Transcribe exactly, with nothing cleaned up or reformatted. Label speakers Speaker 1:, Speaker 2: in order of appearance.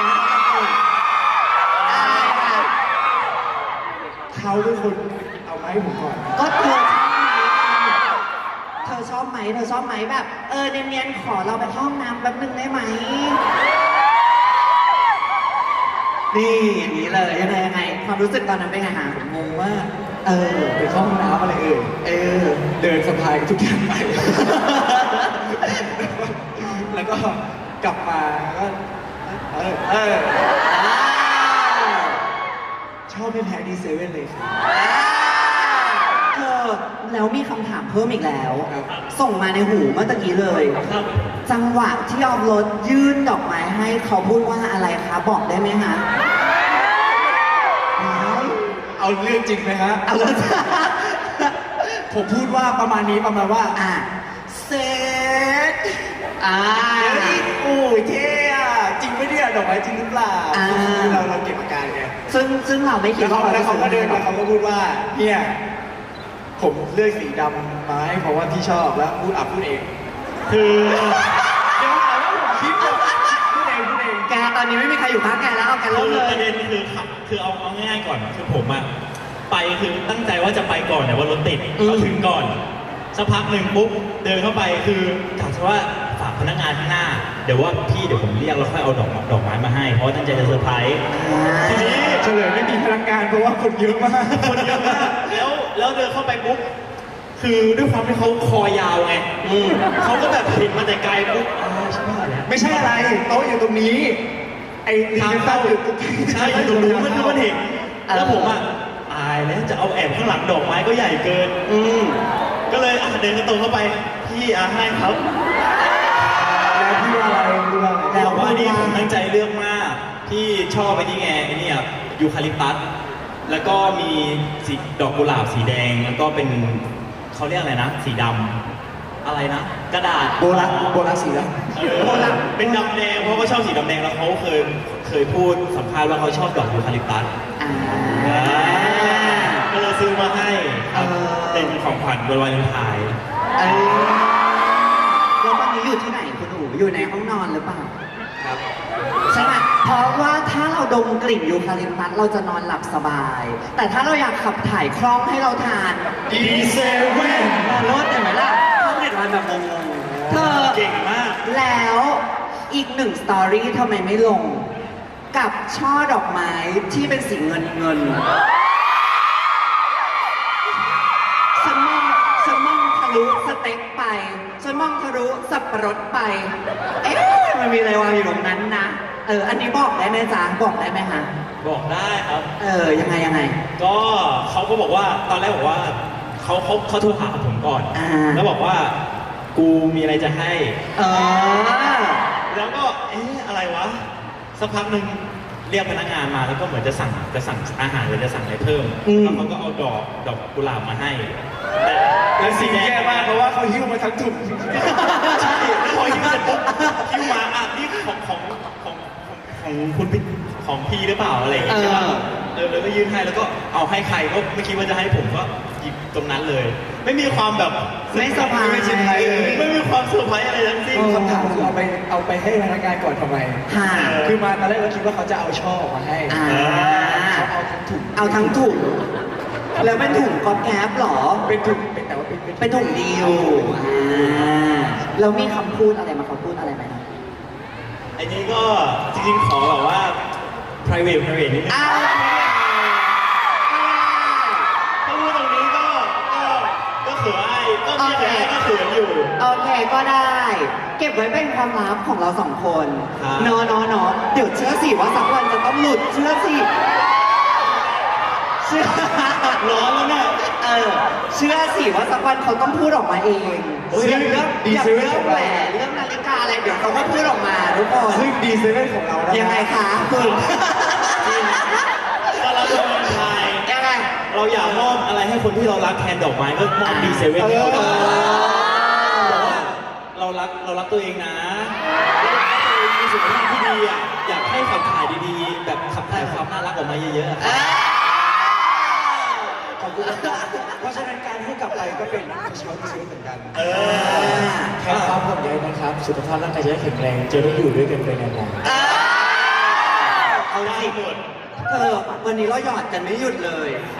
Speaker 1: ดี๋ยวให้เขาก่อนอะไรคะ
Speaker 2: เขาเป็นคนเอาไม้ผมก่อน
Speaker 1: ก็เธอชอบไหมเธอชอบไหมเธอชอบไหมแบบเออเนียนๆขอเราไปห้องน้ำแป๊บนึงได้ไหมนี่อย่างนี้เลยยังไงยังไงความรู้สึกตอนนั้นเป็นไงฮะ
Speaker 2: งงมากเออไปเข้าห้องน้ำอะไรเอ่ยเออเดินสะพายทุกอย่างไปแล้วก็กลับมาก็เออเออชอบไม่แพ้ดีเซเว่นเลยครับ
Speaker 1: เธอแล้วมีคำถามเพิ่มอีกแล้ว ส่งมาในหูเมื่อตะกี้เลยจังหวะที่ออฟรถยื่นดอกไม้ให้เขาพูดว่าอะไรคะบอกได้ไหมฮะ
Speaker 2: เอาเรื่องจริงไหมฮะ
Speaker 1: เอาเรื่อง
Speaker 2: ผมพูดว่าประมาณนี้ประมาณว่า
Speaker 1: อ่ะ
Speaker 2: เซตอ่าโอ้ยเท่อะจริงไหมเนี่ยดอกไม้จริงหรือเปล่าเราเราเก็บอาการไง
Speaker 1: ซึ่งซึ่งเราไม่คิดว่า
Speaker 2: แล้วเขาก็เดินมาเขาก็พูดว่าเนี่ยผมเลือกสีดำมาให้เพราะว่าที่ชอบแล้วพูดอับพูดเองคือเดี๋ยวหาว่าผมคิดพูดเองพูดเอง
Speaker 1: แกตอนนี้ไม่มีใครอยู่ข้างแกแล้วเอาแกเริ่มเลย
Speaker 3: ประเด็นคือคือเอาเอาง่ายๆก่อนคือผมอะไปคือตั้งใจว่าจะไปก่อนแต่ว่ารถติดก็ถึงก่อนสักพักหนึ่งปุ๊บเดินเข้าไปคือกะว่าฝากพนักงานข้างหน้าเดี๋ยวว่าพี่เดี๋ยวผมเรียกแล้วค่อยเอาดอกดอกไม้มาให้เพราะตั้งใจจะเซอร์ไพรส์
Speaker 2: ทีนี้เฉลยไม่มีพนักงานเพราะว่าคนเยอะมาก
Speaker 3: คนเยอะมากแล้วแล้วเดินเข้าไปปุ๊บคือด้วยความที่เขาคอยาวไงเขาก็แบบเห็นมาแต่ไกลปุ๊บใช่ไหม
Speaker 2: ไม่ใช่อะไรโต๊ะอยู่ตรงนี้ไอ้ทางเข้าอยู่
Speaker 3: ใช่อยู่ตรงนู้นมันคือมันเห็นแล้วผมอ่ะตายแล้วจะเอาแอบข้างหลังดอกไม้ก็ใหญ่เกิน
Speaker 1: อืม
Speaker 3: ก็เลยอ่ะเดินกระโตเข้าไปพี่อาให้ครับ
Speaker 2: แล้วพี่ว่าอะไรพี่ว่าอะไร
Speaker 3: แล้วว่านี่ผมตั้งใจเลือกมากพี่ชอบไปที่ไงไอ้นี่อ่ะยูคาลิปตัสแล้วก็มีสีดอกกุหลาบสีแดงแล้วก็เป็นเขาเรียกอะไรนะสีดำอะไรนะกระดาษ
Speaker 2: โบราณโบราณสีด
Speaker 3: ำโบราณเป็นดำแดงเพราะเขาชอบสีดำแดงแล้วเขาเคยเคยพูดสัมภาษณ์ว่าเขาชอบดอกยูคาลิปตัสก็เลยซื้อมาให้เป็นของขวัญวันวาเลนไทน์
Speaker 1: แล้วตอนนี้อยู่ที่ไหนคุณหนูอยู่ในห้องนอนหรือเปล่า
Speaker 3: ครับ
Speaker 1: ใช่ไหมเพราะว่าถ้าเราดมกลิ่นยูคาลิปตัสเราจะนอนหลับสบาย แต่ถ้าเราอยากขับถ่ายคล่องให้เราทาน
Speaker 2: ดีเซเว่น
Speaker 1: รถเห็นไหมล่ะเขาเด็ดวันแบบงงๆเธอ
Speaker 3: เก่งมาก
Speaker 1: แล้วอีกหนึ่งสตอรี่ทำไมไม่ลงกับช่อดอกไม้ที่เป็นสีเงินเงินฉันมองฉันมองทะลุสเต็กไปฉันมองทะลุสับปะรดไปเอ๊ะมันมีอะไรวางอยู่ตรงนั้นนะเอออันนี้บอกได้ไหมจ๊ะบอกได้ไหมฮะ
Speaker 3: บอกได้ครับ
Speaker 1: เออยังไงยังไง
Speaker 3: ก็เขาก็บอกว่าตอนแรกบอกว่าเขาเขาเขาโทรหาผมก่อนแล้วบอกว่ากูมีอะไรจะให้
Speaker 1: เออ
Speaker 3: แล้วก็เอ๊ะอะไรวะสักพักหนึ่งเรียกพนักงานมาแล้วก็เหมือนจะสั่งจะสั่งอาหารหรือจะสั่งอะไรเพิ่มแล้วเขาก็เอาดอกดอกกุหลาบมาให้
Speaker 2: แต่แต่สีแย่มากเพราะว่าเขาหิ้วมาทั้งถุง
Speaker 3: ใช่พอหิ้วเสร็จปุ๊บหิ้วมาอ่ะนี่ของของของของคุณพี่ของพี่หรือเปล่าอะไรอย่างเงี้ยใช่ป่ะเออแล้วก็ยื่นให้แล้วก็เอาให้ใครก็ไม่คิดว่าจะให้ผมก็หยิบตรงนั้นเลยไม่มีความแบบ
Speaker 1: ไม่เซอร์ไพรส์
Speaker 3: ไม่เซอร์ไพรส์เลยไม่มีความเซอร์ไพรส์อะไรทั้งสิ้น
Speaker 2: คำถามคือเอาไปเอาไปให้พนักงานก่อนทำไมคือมาตอนแรกเราคิดว่าเขาจะเอาช่อมาให้เขาเอาทั้งถุง
Speaker 1: เอาทั้งถุงแล้วเป็นถุงก๊อบแก๊บหรอ
Speaker 2: เป็นถุงเป็นแต่ว่าเป็น
Speaker 1: เป็นถุงเดียวแล้วมีคำพูดอะไรมาเขาพูดอะไรไหม
Speaker 3: อันนี้ก็จริงๆขอแบบว่า private private นิดนึงถ้าพูดตรงนี้ก็ก็ก็เขินไอ้ก็มีแต่ก็เขินอยู่
Speaker 1: โอเคก็ได้เก็บไว้เป็นความลับของเราสองคนเนาะเนาะเนาะเดี๋ยวเชื่อสิว่าสักวันจะต้องหลุดเชื่อสิเชื่อ
Speaker 3: ร้อนแล้วเนี่ย
Speaker 1: เออเชื่อสิว่าสักวันเขาต้องพูดออกมาเองเรื่องเรื่องอย่างเรื่องแหวนเรื่องนาฬิกาอะไรเดี๋ยวเขาก็พูดออกมาทุกคน
Speaker 2: ซึ่งดีเซเว่นของเรา
Speaker 1: ยังไงคะคุณ
Speaker 3: ก็รับวาเลนไทน์
Speaker 1: ยังไง
Speaker 3: เราอยากมอบอะไรให้คนที่เรารักแทนดอกไม้ก็มอบดีเซเว่นให้เขาบอกว่าเรารักเรารักตัวเองนะเรารักตัวเองมีสุขภาพที่ดีอ่ะอยากให้ขับถ่ายดีๆแบบขับถ่ายความน่ารักออกมาเยอะๆ
Speaker 2: เพราะฉะนั้นการให้กลับไปก็เป็นช้อนซื้อเหมือนกันแค่ความห่วงใยนะครับสุขภาพร่างกายจะได้แข็งแรงจะได้อยู่ด้วยกันไปนาน
Speaker 1: สิ
Speaker 3: ได้หมด
Speaker 1: เออวันนี้เราหยอดกันไม่หยุดเลย